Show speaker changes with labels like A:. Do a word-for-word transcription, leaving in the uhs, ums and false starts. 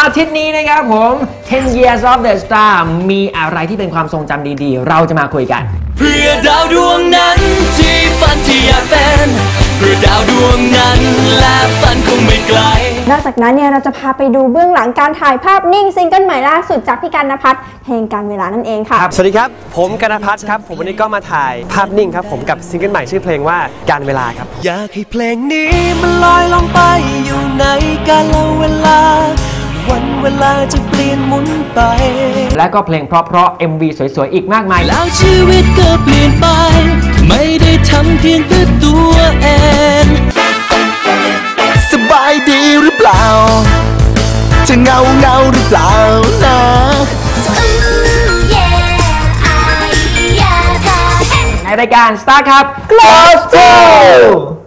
A: อาทิตย์นี้นะครับผม ten years of the star มีอะไรที่เป็นความทรงจำดีๆเราจะมาคุยกัน
B: เพื่อดาวดวงนั้นที่ฝันที่อยากเป็นเพื่อดาวดวงนั้นและฝันคงไม่ไกล
C: นอกจากนั้นเนี่ยเราจะพาไปดูเบื้องหลังการถ่ายภาพนิ่งซิงเกิลใหม่ล่าสุดจากพี่กันณภัทรเพลงการเวลานั่นเองค่ะ
D: สวัสดีครับผมกันณภัทรครับผมวันนี้ก็มาถ่ายภาพนิ่งครับผมกับซิงเกิลใหม่ชื่อเพลงว่าการเวลาครับ
B: อยากให้เพลงนี้มันลอยลงไปอยู่ในกาลเวลาวันเวลาจะเปลี่ยนหมุนไป
A: และก็เพลงเพราะๆ เอ็ม วี สวยๆอีกมากมาย
B: แล้วชีวิตก็เปลี่ยนไปไม่ได้ทำเพียงเพื่อตัวเองสบายดีหรือเปล่าจะเงาเงาหรือเปล่านะ
A: ในรายการ Star ครับ Close to